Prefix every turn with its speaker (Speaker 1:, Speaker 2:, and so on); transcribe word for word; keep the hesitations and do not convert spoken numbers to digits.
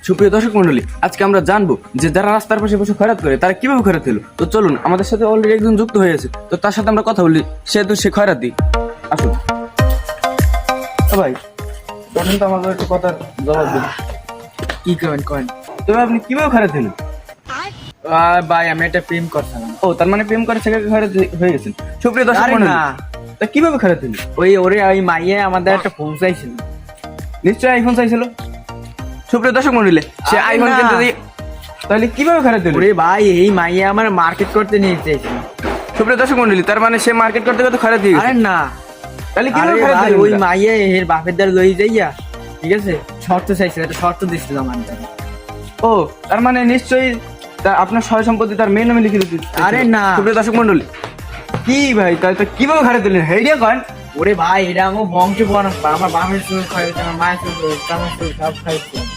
Speaker 1: সুপ্রিয় দর্শক মন্ডলী, আজকে আমরা জানবো যে যারা রাস্তার পাশে বসে খয়রাত করে তারা কিভাবে খয়রাত হলো। তো চলুন, আমাদের সাথে অলরেডি একজন যুক্ত হয়ে আছে, তো তার সাথে আমরা কথা বলি। সেহেতু সে খয়রাত দিই, আসুন। ও ভাই, তখন তো আমাদের একটু কথার জবাব দিন।
Speaker 2: কি করেন করেন
Speaker 1: তবে আপনি কিভাবে খয়রাত হলেন?
Speaker 2: আর ভাই আমি একটা প্রেম করছিলাম।
Speaker 1: ও, তার মানে প্রেম করে থেকে খয়রাত হয়ে গেছেন। সুপ্রিয় দর্শক
Speaker 2: আরে
Speaker 1: মন্ডলী,
Speaker 2: না,
Speaker 1: তা কিভাবে খয়রাত হলো?
Speaker 2: ওই ওরে ওই মাইয়ে আমাদের একটা ফোন চাইছিল।
Speaker 1: নিশ্চয়ই আইফোন চাইছিল। সুপ্রিয় দর্শক মন্ডলী, সে
Speaker 2: আরে
Speaker 1: আইফোন
Speaker 2: না।
Speaker 1: কিনতে দিয়ে তাহলে কিভাবে খয়রাত হলো?
Speaker 2: ওরে ভাই এই মাইয়ে আমার মার্কেট করতে নিয়ে চাইছিল।
Speaker 1: সুপ্রিয় দর্শক মন্ডলী, তার মানে সে মার্কেট করতে করতে খয়রাত দিয়ে গেছে।
Speaker 2: আরে না,
Speaker 1: তাহলে
Speaker 2: আরে
Speaker 1: কিভাবে খয়রাত
Speaker 2: ভাই
Speaker 1: হলো?
Speaker 2: ওই মাইয়ে এর বাপের দ্বার লই যাইয়া, ঠিক আছে, শর্ত চাইছিল, একটা শর্ত দিছিল আমার দ্বারা।
Speaker 1: ও, তার মানে নিশ্চয়ই তা- আপনার সয় সম্পত্তি তার মেয়ে নামে লিখে দিতে।
Speaker 2: আরে না।
Speaker 1: সুপ্রিয় দর্শক মন্ডলী, কি ভাই তাহলে তো কিভাবে খয়রাত দিলেন হেডিয়া কন?
Speaker 2: ওরে ভাই এটা আমার বংশ পরম্পরা, আমার বাপের চুল খাইছে, আমার মায়ের চুল খাইছে, আমার চুল সব খাইছে।